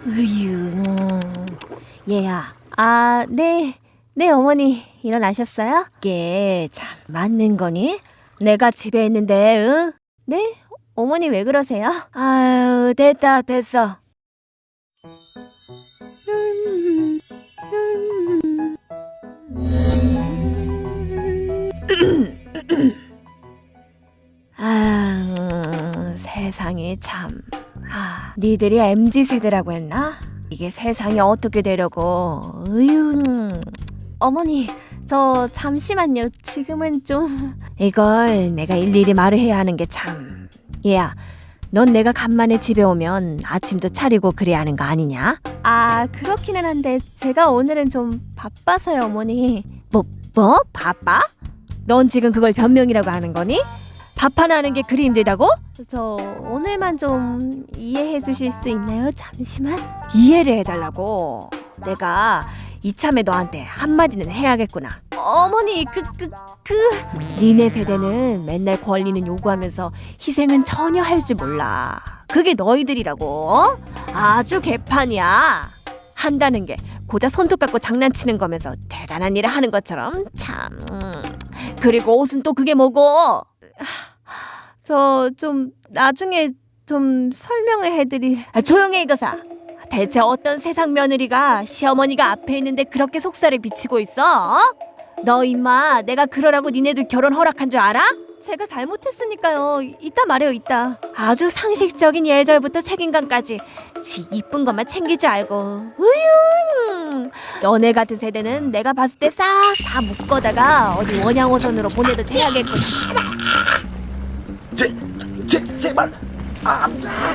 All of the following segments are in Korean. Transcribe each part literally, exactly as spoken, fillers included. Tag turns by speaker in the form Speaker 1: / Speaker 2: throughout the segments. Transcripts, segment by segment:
Speaker 1: 으유, 음. 얘야. 아, 네. 네, 어머니. 일어나셨어요? 이게 참 맞는 거니? 내가 집에 있는데, 응? 네? 어머니 왜 그러세요? 아유, 됐다, 됐어. 아, 세상이 참. 아, 니들이 엠지 세대라고 했나? 이게 세상이 어떻게 되려고. 으유. 어머니, 저 잠시만요. 지금은 좀. 이걸 내가 일일이 말을 해야 하는 게 참. 얘야, 넌 내가 간만에 집에 오면 아침도 차리고 그래야 하는 거 아니냐? 아, 그렇기는 한데 제가 오늘은 좀 바빠서요, 어머니. 뭐, 뭐? 바빠? 넌 지금 그걸 변명이라고 하는 거니? 밥 하나 하는 게 그리 힘들다고? 저 오늘만 좀 이해해 주실 수 있나요? 잠시만. 이해를 해달라고. 내가 이참에 너한테 한마디는 해야겠구나. 어머니, 그, 그, 그. 니네 세대는 맨날 권리는 요구하면서 희생은 전혀 할 줄 몰라. 그게 너희들이라고. 어? 아주 개판이야. 한다는 게 고작 손톱 갖고 장난치는 거면서 대단한 일을 하는 것처럼 참. 그리고 옷은 또 그게 뭐고? 저 좀 나중에 좀 설명을 해드릴. 아, 조용해 이거사. 대체 어떤 세상 며느리가 시어머니가 앞에 있는데 그렇게 속살을 비치고 있어? 어? 너 임마 내가 그러라고 니네들 결혼 허락한 줄 알아? 제가 잘못했으니까요. 이따 말해요, 이따. 아주 상식적인 예절부터 책임감까지 지 이쁜 것만 챙길 줄 알고. 으유. 너네 같은 세대는 내가 봤을 때 싹 다 묶어다가 어디 원양어선으로 보내도 돼야겠구나.
Speaker 2: 제, 제, 제발. 아, 아.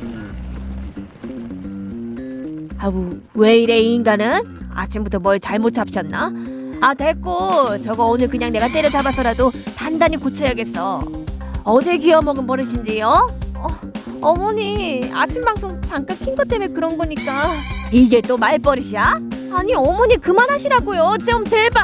Speaker 1: 아우, 왜 이래 이 인간은? 아침부터 뭘 잘못 잡셨나? 아, 됐고 저거 오늘 그냥 내가 때려잡아서라도 단단히 고쳐야겠어. 어딜 기어먹은 버릇인지요? 어, 어머니, 아침 방송 잠깐 킨 것 때문에 그런 거니까. 이게 또 말버릇이야? 아니 어머니 그만하시라고요. 좀 제발.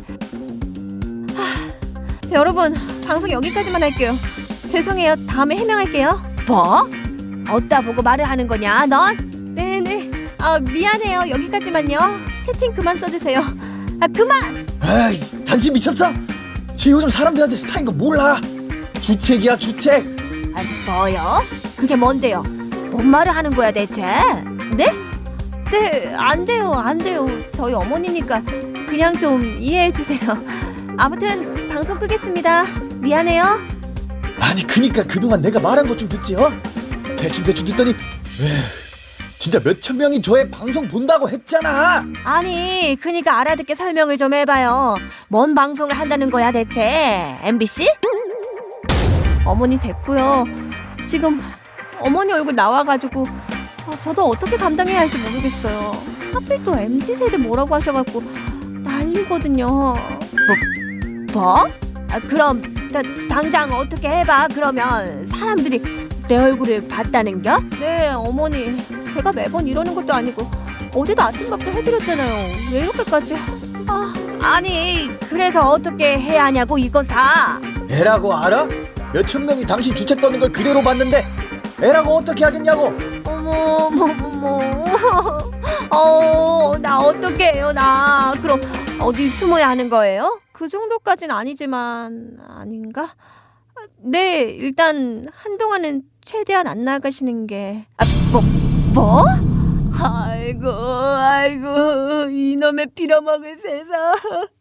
Speaker 1: 하, 여러분, 방송 여기까지만 할게요. 죄송해요. 다음에 해명할게요. 뭐? 어디다 보고 말을 하는 거냐 넌? 네네. 아, 미안해요. 여기까지만요. 채팅 그만 써주세요. 아, 그만!
Speaker 2: 아이, 당신 미쳤어? 쟤 요즘 사람들한테 스타인 거 몰라. 주책이야, 주책.
Speaker 1: 아, 뭐요? 그게 뭔데요? 뭔 말을 하는 거야 대체? 네? 네, 안 돼요, 안 돼요. 저희 어머니니까 그냥 좀 이해해 주세요. 아무튼 방송 끄겠습니다. 미안해요.
Speaker 2: 아니, 그니까 그동안 내가 말한 거 좀 듣지, 어? 대충대충 듣더니 에휴, 진짜 몇천 명이 저의 방송 본다고 했잖아.
Speaker 1: 아니, 그니까 알아듣게 설명을 좀 해봐요. 뭔 방송을 한다는 거야 대체? 엠비씨? 어머니 됐고요. 지금 어머니 얼굴 나와가지고 아, 저도 어떻게 감당해야 할지 모르겠어요. 하필 또 엠지 세대 뭐라고 하셔갖고 난리거든요. 뭐? 뭐? 아, 그럼 다, 당장 어떻게 해봐. 그러면 사람들이 내 얼굴을 봤다는겨? 네, 어머니. 제가 매번 이러는 것도 아니고 어제도 아침밥도 해드렸잖아요. 왜 이렇게까지? 아, 아니 그래서 어떻게 해야 하냐고 이거사.
Speaker 2: 애라고 알아? 몇천 명이 당신 주책 떠는 걸 그대로 봤는데 애라고 어떻게 하겠냐고.
Speaker 1: 어머 어머 어머. 어, 나 어떻게 해요 나. 그럼 어디 숨어야 하는 거예요? 그 정도까진 아니지만. 아닌가? 네, 일단 한동안은 최대한 안 나가시는 게. 아, 뭐? 뭐? 아이고 아이고 이놈의 빌어먹을 세상.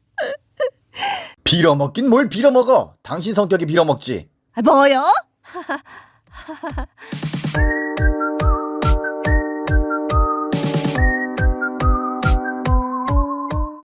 Speaker 2: 빌어먹긴 뭘 빌어먹어. 당신 성격이 빌어먹지.
Speaker 1: 뭐요?